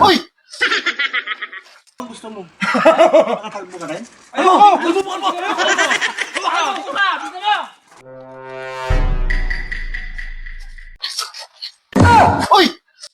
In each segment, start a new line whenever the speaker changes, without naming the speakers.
Uy!
Ang gusto mo? Nakakalbo ka rin?
Ayoko!
Kalbo mo!
Uy!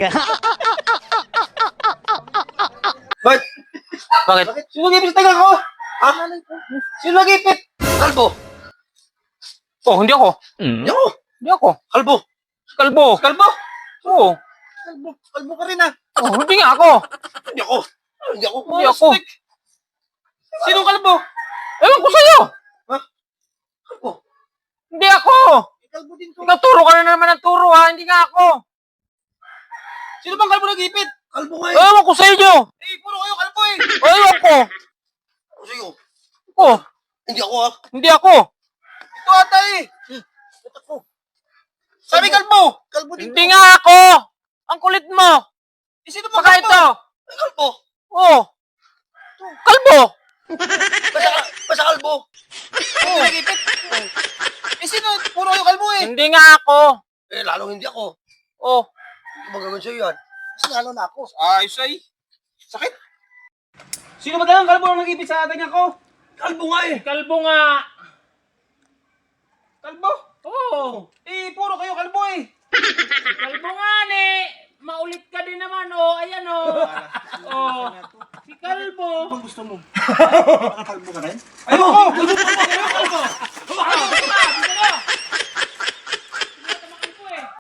Bakit? Bakit? Sino nag-ipit sa tagal ko? Ha? Sino nag-ipit? Kalbo.
Oh, hindi ako.
Hindi ako.
Hindi ako.
Kalbo.
Kalbo.
Kalbo?
Oo.
Kalbo. Kalbo ka rin ah.
Oh, hindi nga ako.
Hindi ako. Hindi ako.
Hindi ako.
Sino kalbo?
Ewan ko sa'yo.
Kalbo.
Hindi ako.
Kalbo din to.
Ikaw turo ka na naman ng turo ha. Hindi nga ako.
Sino bang kalbo nag-ipit? Kalbo nga eh.
Ewan ko sa inyo.
Eh, puro kayo kalbo eh.
Ewan ko.
Ako sa'yo.
Oh,
Hindi ako ah.
hindi ako.
Ito ata eh. Ito ko. Sabi kalbo. Kalbo din
Hindi
to.
nga ako. Ang kulit mo.
Eh, sino bang
Baka
kalbo?
ito.
Ay, kalbo.
Oh. Kalbo.
Basta kalbo. Oh. Nag-ipit. Eh, sino? Puro kayo kalbo eh.
Hindi nga ako.
Eh, lalong hindi ako.
Oh.
Hindi ba gagawin sa'yo yan? Kasi lalo na ako.
Ayos ay.
Sakit.
Sino ba talagang kalbo ang nag-ipit sa atin ako?
Kalbo nga eh.
Kalbo nga.
Kalbo?
Oh.
Eh, puro kayo kalbo eh.
Kalbo nga ni. Maulit ka din naman oh. Ayan oh. Oh. Si Kalbo.
Ang gusto mo? Nakakalbo ka rin?
Ayoko!